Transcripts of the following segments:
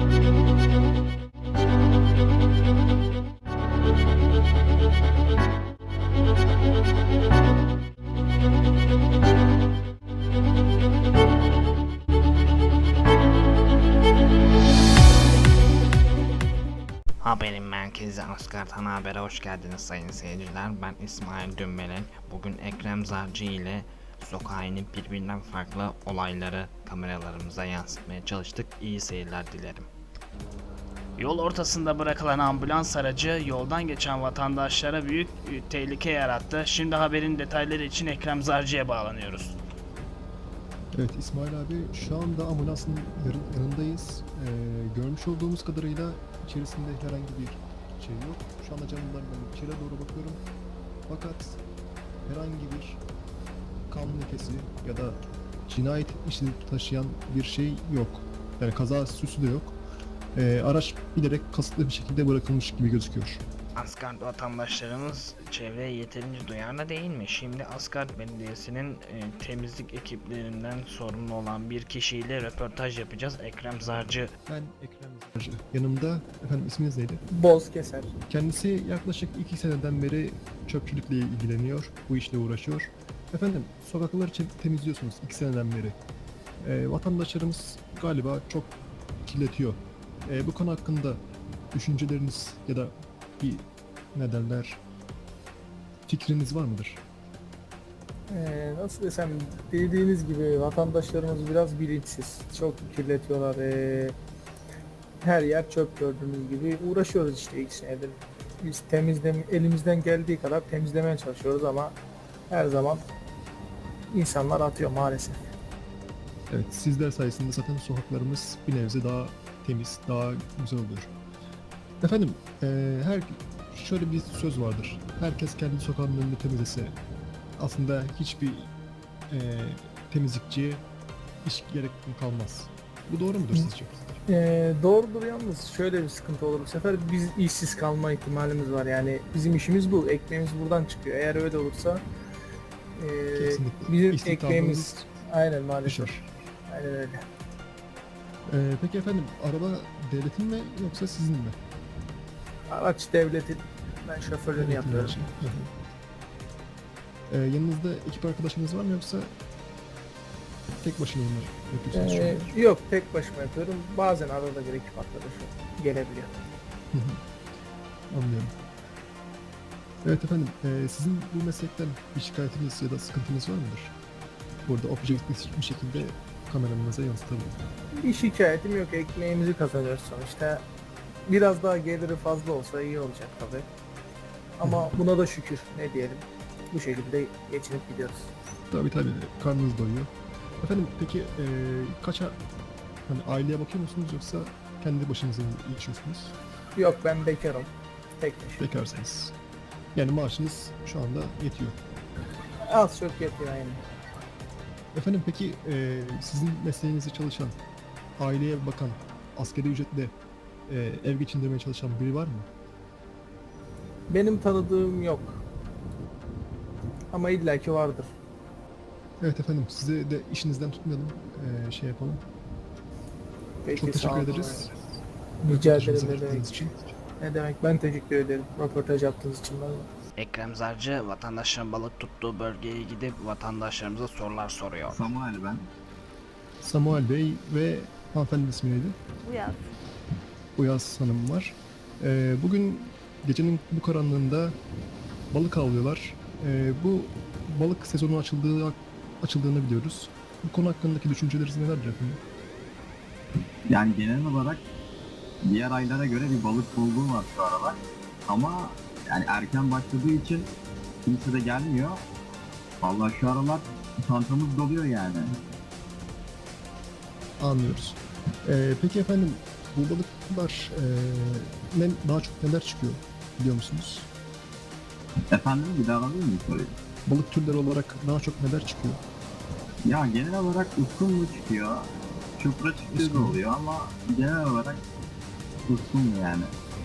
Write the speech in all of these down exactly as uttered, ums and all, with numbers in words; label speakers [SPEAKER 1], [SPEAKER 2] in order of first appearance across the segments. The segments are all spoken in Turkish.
[SPEAKER 1] Haberin merkezi Asgard Ana Haber'e hoş geldiniz sayın seyirciler. Ben İsmail Dümbelen. Bugün Ekrem Zarcı ile sokağa inip birbirinden farklı olayları kameralarımıza yansıtmaya çalıştık. İyi seyirler dilerim.
[SPEAKER 2] Yol ortasında bırakılan ambulans aracı yoldan geçen vatandaşlara büyük tehlike yarattı. Şimdi haberin detayları için Ekrem Zarcı'ya bağlanıyoruz.
[SPEAKER 3] Evet İsmail abi, şu anda ambulansın yarı- yanındayız. Ee, görmüş olduğumuz kadarıyla içerisinde herhangi bir şey yok. Şu anda camlardan içeri doğru bakıyorum. Fakat herhangi bir kan lekesi ya da cinayet işi taşıyan bir şey yok. Yani kaza süsü de yok. Ee, araç bilerek kasıtlı bir şekilde bırakılmış gibi gözüküyor.
[SPEAKER 1] Asgard vatandaşlarımız çevreye yeterince duyarlı değil mi? Şimdi Asgard Belediyesi'nin e, temizlik ekiplerinden sorumlu olan bir kişiyle röportaj yapacağız. Ekrem Zarcı.
[SPEAKER 3] Ben Ekrem Zarcı. Yanımda, efendim isminiz neydi?
[SPEAKER 4] Bozkeser.
[SPEAKER 3] Kendisi yaklaşık iki seneden beri çöpçülükle ilgileniyor, bu işle uğraşıyor. Efendim, sokakları çe- temizliyorsunuz iki seneden beri. Ee, vatandaşlarımız galiba çok kirletiyor. Ee, bu konu hakkında düşünceleriniz ya da bir ne derler, fikriniz var mıdır?
[SPEAKER 4] Ee, nasıl desem, dediğiniz gibi vatandaşlarımız biraz bilinçsiz. Çok kirletiyorlar. Ee, her yer çöp, gördüğünüz gibi. Uğraşıyoruz işte ilk senedir. Biz temizlem elimizden geldiği kadar temizlemeye çalışıyoruz ama her zaman insanlar atıyor maalesef.
[SPEAKER 3] Evet, sizler sayesinde zaten sokaklarımız bir nebze daha temiz, daha güzel oluyor. Efendim, eee, her şöyle bir söz vardır. Herkes kendi sokağının önünü temizlese aslında hiçbir eee, temizlikçiye iş gerek kalmaz. Bu doğru mudur sizce?
[SPEAKER 4] Ee, doğrudur, yalnız şöyle bir sıkıntı olur. Bu sefer biz işsiz kalma ihtimalimiz var. Yani bizim işimiz bu. Ekmeğimiz buradan çıkıyor. Eğer öyle olursa ee,
[SPEAKER 3] Kesinlikle.
[SPEAKER 4] bizim
[SPEAKER 3] İstihdamımız
[SPEAKER 4] ekmeğimiz aynen maalesef.
[SPEAKER 3] düşer.
[SPEAKER 4] Aynen öyle.
[SPEAKER 3] Eee, peki efendim, araba devletin mi yoksa sizin mi?
[SPEAKER 4] Araç devletin, ben şoförlüğünü
[SPEAKER 3] Devletin
[SPEAKER 4] yapıyorum.
[SPEAKER 3] aracı. Hı hı. Eee, yanınızda ekip arkadaşınız var mı yoksa tek başına mı yapıyorsunuz şu
[SPEAKER 4] Ee,
[SPEAKER 3] an?
[SPEAKER 4] yok, tek başıma yapıyorum. Bazen arada bir ekip arkadaşı gelebiliyor.
[SPEAKER 3] Hı hı. Anlıyorum. Evet efendim, eee, sizin bu meslekten bir şikayetiniz ya da sıkıntınız var mıdır? Burada objektif bir şekilde kameramıza yansıtabilirim.
[SPEAKER 4] Bir şikayetim yok, ekmeğimizi kazanıyoruz sonuçta. Biraz daha geliri fazla olsa iyi olacak tabii. Ama buna da şükür, ne diyelim. Bu şekilde geçinip gidiyoruz.
[SPEAKER 3] Tabii tabii, karnınız doyuyor. Efendim peki eee kaça, hani aileye bakıyor musunuz yoksa kendi başınıza mı yaşıyorsunuz?
[SPEAKER 4] Yok, ben bekarım. Tek başıma.
[SPEAKER 3] Bekarsınız. Yani maaşınız şu anda yetiyor.
[SPEAKER 4] Az çok yetiyor aynı.
[SPEAKER 3] Efendim peki eee, sizin mesleğinizde çalışan, aileye bakan, asgari ücretle eee, ev geçindirmeye çalışan biri var mı?
[SPEAKER 4] Benim tanıdığım yok. Ama illaki vardır.
[SPEAKER 3] Evet efendim, sizi de işinizden tutmayalım, eee, şey yapalım.
[SPEAKER 4] Peki,
[SPEAKER 3] Çok
[SPEAKER 4] sağ
[SPEAKER 3] teşekkür
[SPEAKER 4] olun.
[SPEAKER 3] ederiz.
[SPEAKER 4] Rica
[SPEAKER 3] Röportajımıza
[SPEAKER 4] ederim, ne
[SPEAKER 3] katıldığınız
[SPEAKER 4] demek.
[SPEAKER 3] için.
[SPEAKER 4] Ne demek, ben teşekkür ederim röportaj yaptığınız için bana.
[SPEAKER 1] Ekrem Zarcı vatandaşların balık tuttuğu bölgeye gidip vatandaşlarımıza sorular soruyor.
[SPEAKER 5] Samuel ben.
[SPEAKER 3] Samuel Bey ve hanımefendinin ismi neydi?
[SPEAKER 6] Uyaz.
[SPEAKER 3] Uyaz Hanım var. Ee, bugün gecenin bu karanlığında balık avlıyorlar. Ee, bu balık sezonu açıldığı açıldığını biliyoruz. Bu konu hakkındaki düşünceleriniz nelerdir efendim?
[SPEAKER 5] Yani genel olarak diğer aylara göre bir balık bolluğu var şu aralar. Ama yani erken başladığı için kimse de gelmiyor. Vallahi şu aralar çantamız doluyor yani.
[SPEAKER 3] Anlıyoruz. Ee, peki efendim, bu balıklar ee, ne, daha çok neler çıkıyor biliyor musunuz?
[SPEAKER 5] Efendim bir daha alabilir miyim soruyu?
[SPEAKER 3] Balık türleri olarak daha çok neler çıkıyor?
[SPEAKER 5] Ya genel olarak uskumru çıkıyor. Çupra çıktığı da
[SPEAKER 3] Uskumru.
[SPEAKER 5] oluyor ama genel olarak uskumru yani.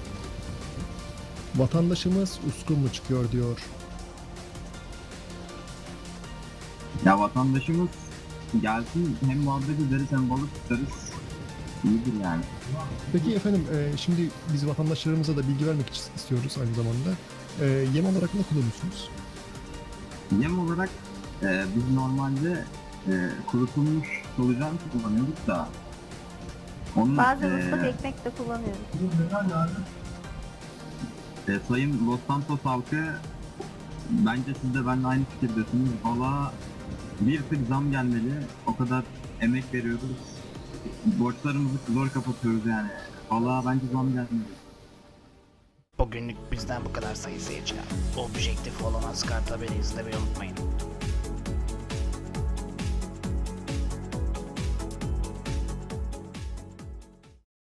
[SPEAKER 3] Vatandaşımız uskun mu çıkıyor diyor.
[SPEAKER 5] Ya vatandaşımız gelsin, hem muhabbet ederiz hem balık tutarız. iyidir yani.
[SPEAKER 3] Peki efendim, e, şimdi biz vatandaşlarımıza da bilgi vermek için istiyoruz aynı zamanda. E, yem olarak ne kullanıyorsunuz?
[SPEAKER 5] Yem olarak e, biz normalde e, kurutulmuş solucan kullanıyorduk da onun
[SPEAKER 6] Bazen
[SPEAKER 5] e,
[SPEAKER 6] ıslak ekmek de kullanıyoruz.
[SPEAKER 5] e, Sayın Los Santos halkı, bence siz de benimle aynı fikirdesiniz. Valla bir tık zam gelmeli. O kadar emek veriyoruz. Borçlarımızı zor kapatıyoruz yani. Valla bence zam gelmeli.
[SPEAKER 2] Bugünlük bizden bu kadar sayın seyirciler. Objektif olan Asgard haberi izlemeyi unutmayın.